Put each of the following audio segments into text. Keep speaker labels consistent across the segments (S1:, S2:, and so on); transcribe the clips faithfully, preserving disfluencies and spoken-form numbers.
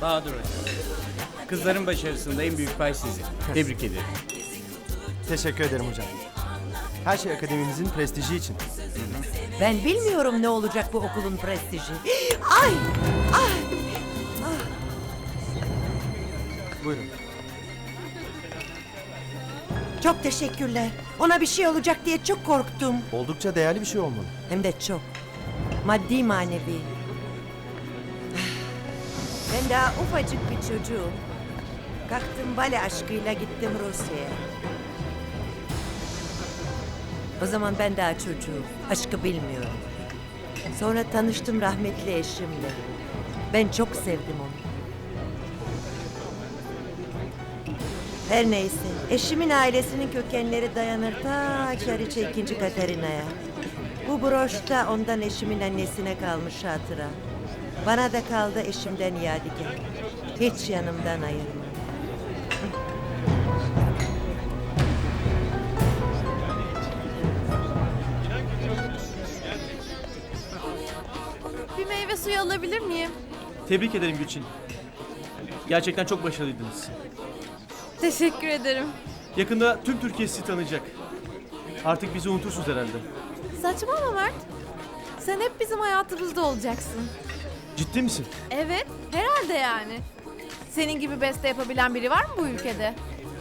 S1: Bahadır Hocam. Kızların başarısında en büyük pay sizin. Tebrik ederim.
S2: Teşekkür ederim hocam. Her şey akademimizin prestiji için.
S3: Ben bilmiyorum ne olacak bu okulun prestiji. Ay! Ay!
S2: Buyurun.
S3: Çok teşekkürler. Ona bir şey olacak diye çok korktum.
S2: Oldukça değerli bir şey olmalı.
S3: Hem de çok. Maddi manevi. Ben daha ufacık bir çocuğum. Kalktım bale aşkıyla gittim Rusya'ya. O zaman ben daha çocuğum. Aşkı bilmiyorum. Sonra tanıştım rahmetli eşimle. Ben çok sevdim onu. Her neyse, eşimin ailesinin kökenleri dayanır ta Çariçe ikinci Katerina'ya. Bu broş da ondan eşimin annesine kalmış hatıra. Bana da kaldı eşimden yadigar. Hiç yanımdan ayırma.
S4: Bir meyve suyu alabilir miyim?
S5: Tebrik ederim Gülçin. Gerçekten çok başarılıydınız.
S4: Teşekkür ederim.
S5: Yakında tüm Türkiye sizi tanıyacak. Artık bizi unutursunuz herhalde.
S4: Saçmalama Mert. Sen hep bizim hayatımızda olacaksın.
S5: Ciddi misin?
S4: Evet, herhalde yani. Senin gibi beste yapabilen biri var mı bu ülkede?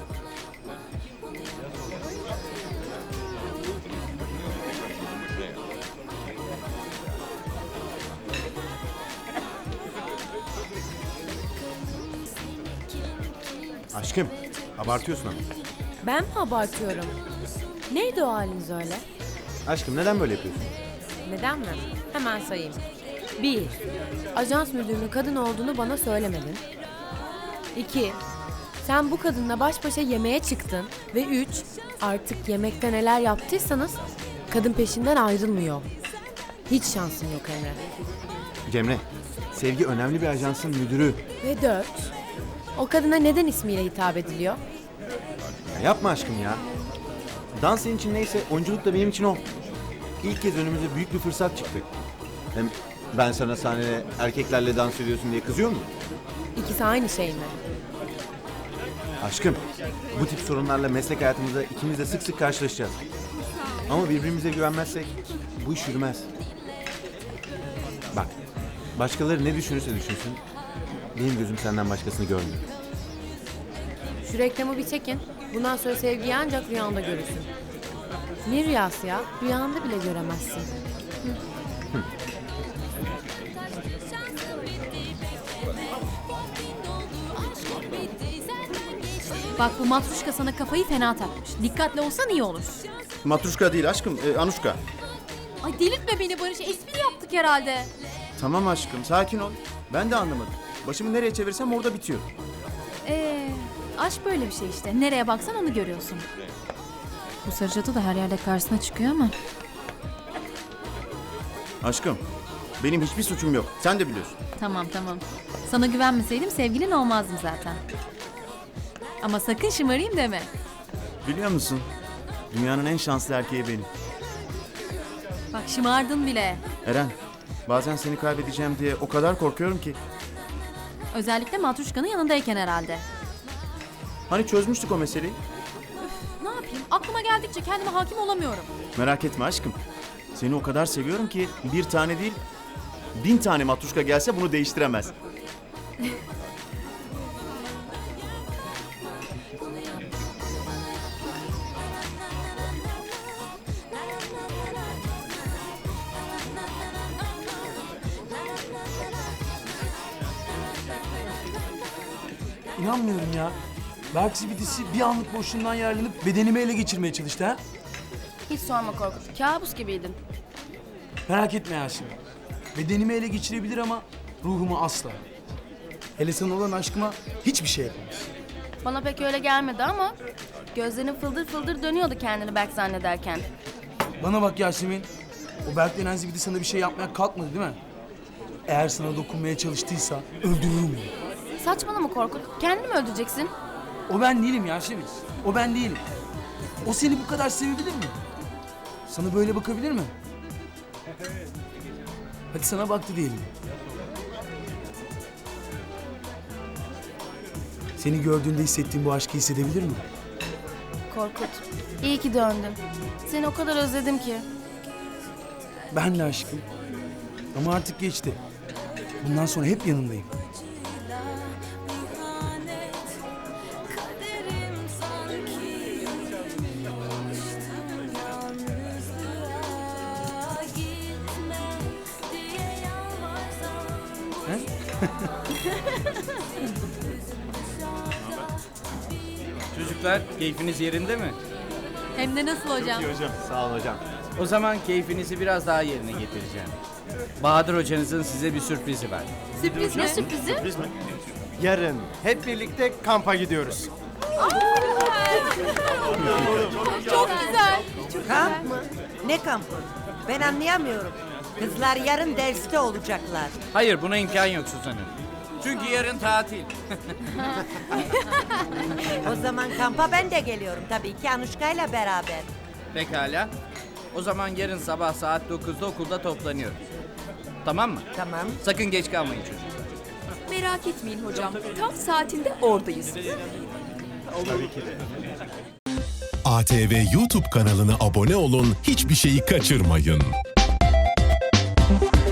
S2: Aşkım, abartıyorsun ama.
S6: Ben mi abartıyorum? Neydi o haliniz öyle?
S2: Aşkım neden böyle yapıyorsun?
S6: Neden mi? Hemen sayayım. Bir, ajans müdürünün kadın olduğunu bana söylemedin. İki, sen bu kadınla baş başa yemeğe çıktın. Ve üç, artık yemekte neler yaptıysanız kadın peşinden ayrılmıyor. Hiç şansın yok Emre.
S2: Cemre, Sevgi önemli bir ajansın müdürü.
S6: Ve dört, o kadına neden ismiyle hitap ediliyor?
S2: Ya yapma aşkım ya. Dans senin için neyse, oyunculuk da benim için o. İlk kez önümüze büyük bir fırsat çıktı. Hem ben sana sahnede erkeklerle dans ediyorsun diye kızıyor muyum?
S6: İkisi aynı şey mi?
S2: Aşkım, bu tip sorunlarla meslek hayatımızda ikimiz de sık sık karşılaşacağız. Ama birbirimize güvenmezsek bu iş yürümez. Bak, başkaları ne düşünürse düşünsün, benim gözüm senden başkasını görmüyor.
S6: Şu reklamı bir çekin. Bundan sonra sevgiyi ancak rüyanda görürsün. Ne rüyası ya? Rüyanda bile göremezsin.
S7: Bak bu matruşka sana kafayı fena takmış. Dikkatli olsan iyi olur.
S2: Matruşka değil aşkım, e, Anuşka.
S7: Ay delirtme beni Barış. Espri yaptık herhalde.
S2: Tamam aşkım, sakin ol. Ben de anlamadım. Başımı nereye çevirsem orada bitiyor.
S7: Ee, aşk böyle bir şey işte. Nereye baksan onu görüyorsun. Bu sarı cadı da her yerde karşısına çıkıyor ama.
S2: Aşkım, benim hiçbir suçum yok. Sen de biliyorsun.
S7: Tamam tamam. Sana güvenmeseydim sevgilin olmazdım zaten. Ama sakın şımarayım deme.
S2: Biliyor musun? Dünyanın en şanslı erkeği benim.
S7: Bak şımardın bile.
S2: Eren, bazen seni kaybedeceğim diye o kadar korkuyorum ki.
S7: Özellikle matruşkanın yanındayken herhalde.
S2: Hani çözmüştük o meseleyi?
S7: Ne yapayım? Aklıma geldikçe kendime hakim olamıyorum.
S2: Merak etme aşkım. Seni o kadar seviyorum ki bir tane değil, bin tane matruşka gelse bunu değiştiremez.
S8: İnanmıyorum ya. Berk zibidisi bir anlık boşluğundan yararlanıp bedenimi ele geçirmeye çalıştı ha.
S9: Hiç sorma Korkut. Kabus gibiydin.
S8: Merak etme Yasemin. Bedenimi ele geçirebilir ama ruhumu asla. Hele sana olan aşkıma hiçbir şey yapamaz.
S9: Bana pek öyle gelmedi ama gözlerin fıldır fıldır dönüyordu kendini Berk zannederken.
S8: Bana bak Yasemin. O Berk denen zibidi sana bir şey yapmaya kalkmadı değil mi? Eğer sana dokunmaya çalıştıysa öldürürüm onu.
S9: Saçmalama Korkut. Kendini mi öldüreceksin?
S8: O ben değilim Yasemin. O ben değilim. O seni bu kadar sevebilir mi? Sana böyle bakabilir mi? Hadi sana baktı diyelim. Seni gördüğünde hissettiğim bu aşkı hissedebilir mi?
S9: Korkut, iyi ki döndün. Seni o kadar özledim ki.
S8: Ben de aşkım. Ama artık geçti. Bundan sonra hep yanındayım.
S1: Çocuklar keyfiniz yerinde mi?
S7: Hem de nasıl hocam?
S2: Sağ olun hocam.
S1: O zaman keyfinizi biraz daha yerine getireceğim. Bahadır hocanızın size bir sürprizi var.
S7: Sürpriz ne sürprizi?
S5: Yarın hep birlikte kampa gidiyoruz.
S7: Çok güzel.
S3: Kamp mı? Ne kampı? Ben anlayamıyorum. Kızlar yarın derste olacaklar.
S1: Hayır, buna imkan yok Suzan Hanım. Çünkü yarın tatil.
S3: O zaman kampa ben de geliyorum tabii ki Anuşka'yla beraber.
S1: Pekala. O zaman yarın sabah saat dokuzda okulda toplanıyoruz. Tamam mı?
S3: Tamam.
S1: Sakın geç kalmayın çocuklar.
S7: Merak etmeyin hocam. Tam saatinde oradayız.
S10: A T V YouTube kanalına abone olun, hiçbir şeyi kaçırmayın.